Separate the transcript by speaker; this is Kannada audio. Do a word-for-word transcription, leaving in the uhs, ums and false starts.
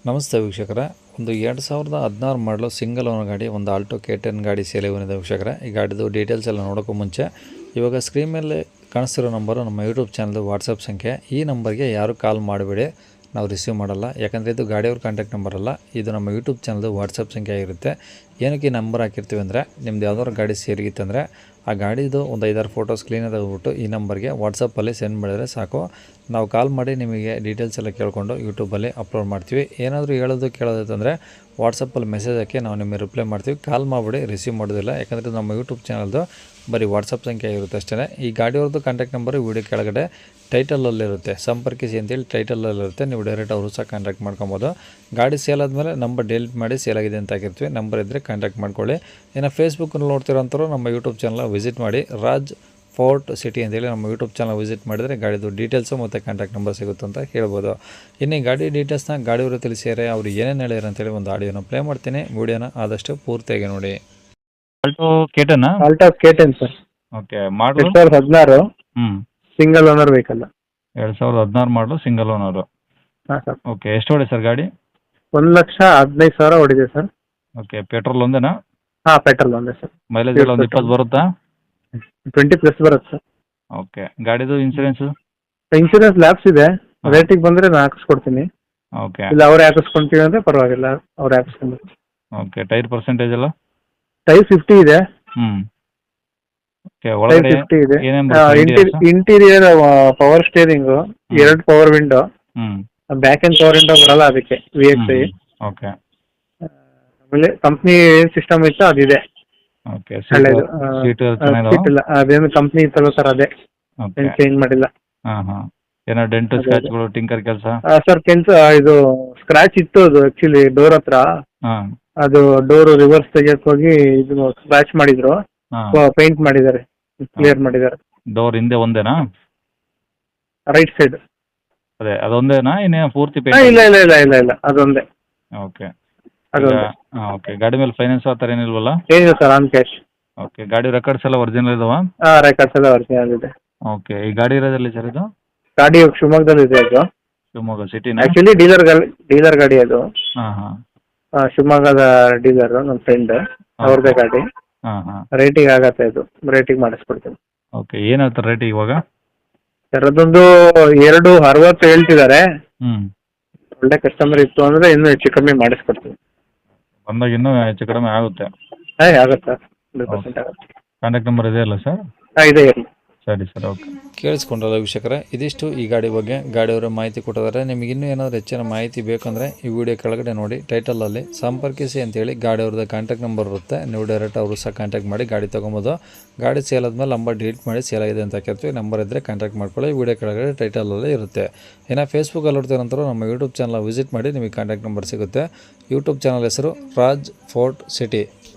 Speaker 1: ನಮಸ್ತೆ ವೀಕ್ಷಕರ, ಒಂದು ಎರಡು ಸಾವಿರದ ಹದಿನಾರು ಮಾಡಲು ಸಿಂಗಲ್ ಓನರ್ ಗಾಡಿ ಒಂದು ಆಲ್ಟೋ ಕೆ ಟೆನ್ ಗಾಡಿ ಸೇಲೆ ಬಂದಿದೆ ವೀಕ್ಷಕರ. ಈ ಗಾಡಿದು ಡೀಟೇಲ್ಸ್ ಎಲ್ಲ ನೋಡೋಕ್ಕೂ ಮುಂಚೆ ಇವಾಗ ಸ್ಕ್ರೀನ್ ಮೇಲೆ ಕಾಣಿಸ್ತಿರೋ ನಂಬರು ನಮ್ಮ ಯೂಟ್ಯೂಬ್ ಚಾನಲ್ದು ವಾಟ್ಸಪ್ ಸಂಖ್ಯೆ. ಈ ನಂಬರ್ಗೆ ಯಾರು ಕಾಲ್ ಮಾಡಿಬಿಡಿ, ನಾವು ರಿಸೀವ್ ಮಾಡಲ್ಲ. ಯಾಕಂದರೆ ಇದು ಗಾಡಿಯವ್ರ ಕಾಂಟ್ಯಾಕ್ಟ್ ನಂಬರ್ ಅಲ್ಲ, ಇದು ನಮ್ಮ ಯೂಟ್ಯೂಬ್ ಚಾನಲ್ದು ವಾಟ್ಸಪ್ ಸಂಖ್ಯೆ ಆಗಿರುತ್ತೆ. ಏನಕ್ಕೆ ಈ ನಂಬರ್ ಹಾಕಿರ್ತೀವಿ ಅಂದರೆ, ನಿಮ್ದು ಯಾವ್ದಾದ್ರು ಗಾಡಿ ಸೇರಿಗಿತ್ತಂದರೆ ಆ ಗಾಡಿದು ಒಂದು ಐದಾರು ಫೋಟೋಸ್ ಕ್ಲೀನಾಗಿ ತೆಗೆದುಬಿಟ್ಟು ಈ ನಂಬರ್ಗೆ ವಾಟ್ಸಪ್ಪಲ್ಲಿ ಸೆಂಡ್ ಮಾಡಿದರೆ ಸಾಕು. ನಾವು ಕಾಲ್ ಮಾಡಿ ನಿಮಗೆ ಡೀಟೇಲ್ಸ್ ಎಲ್ಲ ಕೇಳಿಕೊಂಡು ಯೂಟ್ಯೂಬಲ್ಲಿ ಅಪ್ಲೋಡ್ ಮಾಡ್ತೀವಿ. ಏನಾದರೂ ಹೇಳೋದು ಕೇಳೋದಂದರೆ ವಾಟ್ಸಪ್ಪಲ್ಲಿ ಮೆಸೇಜ್ ಹಾಕಿ ನಾವು ನಿಮಗೆ ರಿಪ್ಲೈ ಮಾಡ್ತೀವಿ. ಕಾಲ್ ಮಾಡಿಬಿಡಿ, ರಿಸೀವ್ ಮಾಡೋದಿಲ್ಲ. ಯಾಕಂದರೆ ನಮ್ಮ ಯೂಟ್ಯೂಬ್ ಚಾನಲ್ದು ಬರೀ ವಾಟ್ಸಪ್ ಸಂಖ್ಯೆ ಇರುತ್ತೆ ಅಷ್ಟೇ. ಈ ಗಾಡಿಯವ್ರದ್ದು ಕಾಂಟ್ಯಾಕ್ಟ್ ನಂಬರು ವೀಡಿಯೋ ಕೆಳಗಡೆ ಟೈಟಲಲ್ಲಿರುತ್ತೆ, ಸಂಪರ್ಕಿಸಿ ಅಂತೇಳಿ ಟೈಟಲಲ್ಲಿರುತ್ತೆ. ನೀವು ಡೈರೆಕ್ಟ್ ಅವರು ಸಹ ಕಾಂಟ್ಯಾಕ್ಟ್ ಮಾಡ್ಕೊಬೋದು. ಗಾಡಿ ಸೇಲ್ ಆದಮೇಲೆ ನಂಬರ್ ಡಿಲೀಟ್ ಮಾಡಿ ಸೇಲ್ ಆಗಿದೆ ಅಂತ ಹಾಕಿರ್ತೀವಿ. ನಂಬರ್ ಇದ್ದರೆ ಕಾಂಟ್ಯಾಕ್ಟ್ ಮಾಡ್ಕೊಳ್ಳಿ. ಇನ್ನು ಫೇಸ್ಬುಕ್ಕಲ್ಲಿ ನೋಡ್ತಿರೋಂಥವ್ರು ನಮ್ಮ ಯೂಟ್ಯೂಬ್ ಚಾನಲ್ ವಿಸಿಟ್ ಮಾಡಿ, ರಾಜ್ ಫೋರ್ಟ್ ಸಿಟಿ ಅಂತೇಳಿ ನಮ್ಮ ಯೂಟ್ಯೂಬ್ ಚಾನಲ್ ವಿಸಿಟ್ ಮಾಡಿದರೆ ಗಾಡಿದು ಡೀಟೇಲ್ಸು ಮತ್ತು ಕಾಂಟ್ಯಾಕ್ಟ್ ನಂಬರ್ ಸಿಗುತ್ತೆ ಅಂತ ಹೇಳ್ಬೋದು. ಇನ್ನು ಈ ಗಾಡಿ ಡೀಟೇಲ್ಸ್ನ ಗಾಡಿಯವರು ತಿಳಿಸಿದರೆ ಅವ್ರು ಏನೇನು ಹೇಳ್ಯಾರ ಅಂತೇಳಿ ಒಂದು ಆಡಿಯೋನ ಪ್ಲೇ ಮಾಡ್ತೀನಿ. ವಿಡಿಯೋನ ಆದಷ್ಟು ಪೂರ್ತಿಯಾಗಿ ನೋಡಿ.
Speaker 2: Alto K ten
Speaker 3: Alto K ten sir,
Speaker 2: okay ಮಾಡಲು
Speaker 3: ಎರಡ್ ಸಾವಿರದ ಹದಿನಾರು
Speaker 2: ಹ್ಞೂ
Speaker 3: ಸಿಂಗಲ್ ಓನರ್ ವೆಹಿಕಲ್.
Speaker 2: ಎರಡು ಸಾವಿರದ ಹದಿನಾರು ಮಾಡಲು ಸಿಂಗಲ್ ಓನರು.
Speaker 3: ಹಾಂ ಸರ್,
Speaker 2: ಓಕೆ ಎಷ್ಟು ಹೊಡೆ ಸರ್ ಗಾಡಿ?
Speaker 3: ಒಂದು ಲಕ್ಷ ಹದಿನೈದು ಸಾವಿರ ಹೊಡಿದೆ ಸರ್.
Speaker 2: ಓಕೆ ಪೆಟ್ರೋಲ್ ಒಂದೇನಾ?
Speaker 3: ಹಾಂ, ಪೆಟ್ರೋಲ್ ಒಂದೇ ಸರ್.
Speaker 2: ಮೈಲೇಜ್ ಎಲ್ಲ ಒಂದು ಇಪ್ಪತ್ತು ಬರುತ್ತಾ?
Speaker 3: ಟ್ವೆಂಟಿ ಪ್ಲಸ್ ಬರುತ್ತೆ ಸರ್.
Speaker 2: ಓಕೆ ಗಾಡಿದು ಇನ್ಸೂರೆನ್ಸು?
Speaker 3: ಇನ್ಶೂರೆನ್ಸ್ ಲ್ಯಾಬ್ಸ್ ಇದೆ, ರೇಟಿಗೆ ಬಂದರೆ ನಾನು ಹಾಕಿಸ್ಕೊಡ್ತೀನಿ.
Speaker 2: ಓಕೆ
Speaker 3: ಇಲ್ಲ ಅವರೇ ಹಾಕಿಸ್ಕೊಂತೀವಿ ಅಂದರೆ ಪರವಾಗಿಲ್ಲ, ಅವರೇ ಹಾಕಿಸ್ಕೊಂಡು.
Speaker 2: ಓಕೆ ಟೈರ್ ಪರ್ಸೆಂಟೇಜ್ ಎಲ್ಲ?
Speaker 3: ಟೈರ್ ಫಿಫ್ಟಿ ಇದೆ.
Speaker 2: ಹ್ಞೂ ಓಕೆ
Speaker 3: ಟೈರ್
Speaker 2: ಒಳಗಡೆ
Speaker 3: ಫಿಫ್ಟಿ ಇದೆ.
Speaker 2: ಏನೇನು?
Speaker 3: ಇಂಟೀರಿಯರ್ ಪವರ್ ಸ್ಟೇರಿಂಗು, ಎರಡು ಪವರ್ ವಿಂಡೋ,
Speaker 2: ಹ್ಞೂ
Speaker 3: ಬ್ಯಾಕ್ ಅಂಡ್ ಪವರ್ ವಿಂಡೋ ಬರಲ್ಲ ಅದಕ್ಕೆ, ವಿ ಎಕ್ಸ್ ಐ.
Speaker 2: ಓಕೆ
Speaker 3: ಆಮೇಲೆ ಕಂಪ್ನಿ ಏನು ಸಿಸ್ಟಮ್ ಇತ್ತು ಅದಿದೆ.
Speaker 2: ಓಕೆ
Speaker 3: ಒಳ್ಳೇದು.
Speaker 2: ಸೀಟು
Speaker 3: ಸೀಟ್
Speaker 2: ಚೆನ್ನಾಗಿದಾವ?
Speaker 3: ಇಲ್ಲ, ಅದೇನು ಕಂಪ್ನಿ ಇತ್ತಲ್ಲ ಸರ್, ಅದೇ
Speaker 2: ಓಕೆ
Speaker 3: ಏನು ಚೇಂಜ್ ಮಾಡಿಲ್ಲ.
Speaker 2: ಹಾಂ ಹಾಂ ಏನೋ ಡೆಂಟು
Speaker 3: ಅದೇ,
Speaker 2: ಸ್ಕ್ರಾಚ್ಗಳು ಟಿಂಕರ್ ಕೆಲಸ?
Speaker 3: ಸರ್ ಕೆಲ್ಸ ಇದು ಸ್ಕ್ರಾಚ್ ಇತ್ತು, ಅದು ಆಕ್ಚುಲಿ ಡೋರ್ ಹತ್ರ.
Speaker 2: ಹಾಂ
Speaker 3: ಅದು ಡೋರ್ ರಿವರ್ಸ್ ತೆಗಿಯಕ್ ಹೋಗಿ ಇದು ಸ್ಕ್ರಾಚ್ ಮಾಡಿದ್ರು,
Speaker 2: ಹಾಂ
Speaker 3: ಪೇಂಟ್ ಮಾಡಿದ್ದಾರೆ, ಕ್ಲಿಯರ್ ಮಾಡಿದ್ದಾರೆ.
Speaker 2: ಡೋರ್ ಹಿಂದೆ ಒಂದೇನಾ?
Speaker 3: Right side.
Speaker 2: ಅದೇ ಅದೊಂದೇನಾ ಇನ್ನೇ ಪೂರ್ತಿ
Speaker 3: ಇಲ್ಲ
Speaker 2: ಪೇಂಟ್?
Speaker 3: ಇಲ್ಲ ಇಲ್ಲ ಇಲ್ಲ ಇಲ್ಲ ಅದೊಂದೇ,
Speaker 2: ಓಕೆ
Speaker 3: ಅದೊಂದೇ.
Speaker 2: ಹಾಂ ಓಕೆ ಗಾಡಿ ಮೇಲೆ ಫೈನಾನ್ಸ್ ಆ ಥರ ಏನಿಲ್ವಲ್ಲ?
Speaker 3: ಏನಿಲ್ಲ ಸರ್, ಆನ್ ಕ್ಯಾಶ್.
Speaker 2: ಓಕೆ ಗಾಡಿ ರೆಕಾರ್ಡ್ಸ್ ಎಲ್ಲ ಒರಿಜಿನಲ್ ಇದಾವ?
Speaker 3: ಹಾಂ, ರೆಕಾರ್ಡ್ಸ್ ಎಲ್ಲ ಒರಿಜಿನಲ್ ಇದೆ.
Speaker 2: ಓಕೆ ಈ ಗಾಡಿ ಇರೋದಲ್ಲಿ ಸರ್ ಇದು?
Speaker 3: ಗಾಡಿ ಶಿವಮೊಗ್ಗದಲ್ಲಿ ಇದೆ ಅದು.
Speaker 2: ಶಿವಮೊಗ್ಗ ಸಿಟಿನ?
Speaker 3: ಆಕ್ಚುಲಿ ಡೀಲರ್ ಡೀಲರ್ ಗಾಡಿ ಅದು.
Speaker 2: ಹಾಂ ಹಾಂ
Speaker 3: ಆ, ಶಿವಮೊಗ್ಗದ ಡೀಲರ್ ನಮ್ಮ ಫ್ರೆಂಡ್, ಅವ್ರದ್ದೇ ಗಾಡಿ.
Speaker 2: ಹಾಂ ಹಾಂ
Speaker 3: ರೇಟಿಗೆ ಆಗತ್ತೆ, ಅದು ರೇಟಿಗೆ ಮಾಡಿಸ್ಕೊಡ್ತೀನಿ.
Speaker 2: ಓಕೆ ಏನು ಹೇಳ್ತಾರೆ ರೇಟ್ ಇವಾಗ?
Speaker 3: ಸರ್ ಅದೊಂದು ಎರಡು ಅರವತ್ತು ಹೇಳ್ತಿದ್ದಾರೆ.
Speaker 2: ಹ್ಞೂ
Speaker 3: ಒಳ್ಳೆ ಕಸ್ಟಮರ್ ಇತ್ತು ಅಂದರೆ ಇನ್ನೂ ಹೆಚ್ಚು ಕಮ್ಮಿ ಮಾಡಿಸ್ಕೊಡ್ತೀನಿ.
Speaker 2: ಬಂದಾಗ ಇನ್ನೂ ಹೆಚ್ಚು ಕಡಿಮೆ ಆಗುತ್ತೆ?
Speaker 3: ಹಾಂ ಆಗುತ್ತೆ ಸರ್, ಹಂಡ್ರೆಡ್ ಪರ್ಸೆಂಟ್ ಆಗುತ್ತೆ.
Speaker 2: ಕಾಂಟ್ಯಾಕ್ಟ್ ನಂಬರ್ ಇದೆಯಲ್ಲ ಸರ್?
Speaker 3: ಹಾಂ ಇದೆ, ಇರಲಿ.
Speaker 2: ಸರಿ ಸರ್ ಓಕೆ.
Speaker 1: ಕೇಳಿಸ್ಕೊಂಡ್ರಲ್ಲ ವೀಕ್ಷಕರೇ, ಇದಿಷ್ಟು ಈ ಗಾಡಿ ಬಗ್ಗೆ ಗಾಡಿಯವರ ಮಾಹಿತಿ ಕೊಟ್ಟಿದ್ದಾರೆ. ನಿಮಗೆ ಇನ್ನೂ ಏನಾದರೂ ಹೆಚ್ಚಿನ ಮಾಹಿತಿ ಬೇಕಂದರೆ ಈ ವಿಡಿಯೋ ಕೆಳಗಡೆ ನೋಡಿ, ಟೈಟಲಲ್ಲಿ ಸಂಪರ್ಕಿಸಿ ಅಂತೇಳಿ ಗಾಡಿಯವ್ರದ್ದು ಕಾಂಟ್ಯಾಕ್ಟ್ ನಂಬರ್ ಇರುತ್ತೆ. ನೀವು ಡೈರೆಕ್ಟ್ ಅವರು ಸಹ ಕಾಂಟ್ಯಾಕ್ಟ್ ಮಾಡಿ ಗಾಡಿ ತೊಗೊಬೋದು. ಗಾಡಿ ಸೇಲ್ ಆದಮೇಲೆ ನಂಬರ್ ಡಿಲೀಟ್ ಮಾಡಿ ಸೇಲ್ ಆಗಿದೆ ಅಂತ ಹಾಕಿರ್ತೀವಿ. ನಂಬರ್ ಇದ್ದರೆ ಕಾಂಟ್ಯಾಕ್ಟ್ ಮಾಡ್ಕೊಳ್ಳಿ, ವಿಡಿಯೋ ಕೆಳಗಡೆ ಟೈಟಲಲ್ಲಿ ಇರುತ್ತೆ. ಇನ್ನು ಫೇಸ್ಬುಕ್ಕಲ್ಲಿ ನೋಡ್ತೀರ ನಂತರ ನಮ್ಮ ಯೂಟ್ಯೂಬ್ ಚಾನಲ್ ವಿಸಿಟ್ ಮಾಡಿ, ನಿಮಗೆ ಕಾಂಟ್ಯಾಕ್ಟ್ ನಂಬರ್ ಸಿಗುತ್ತೆ. ಯೂಟ್ಯೂಬ್ ಚಾನಲ್ ಹೆಸರು ರಾಜ್ ಫೋರ್ಟ್ ಸಿಟಿ.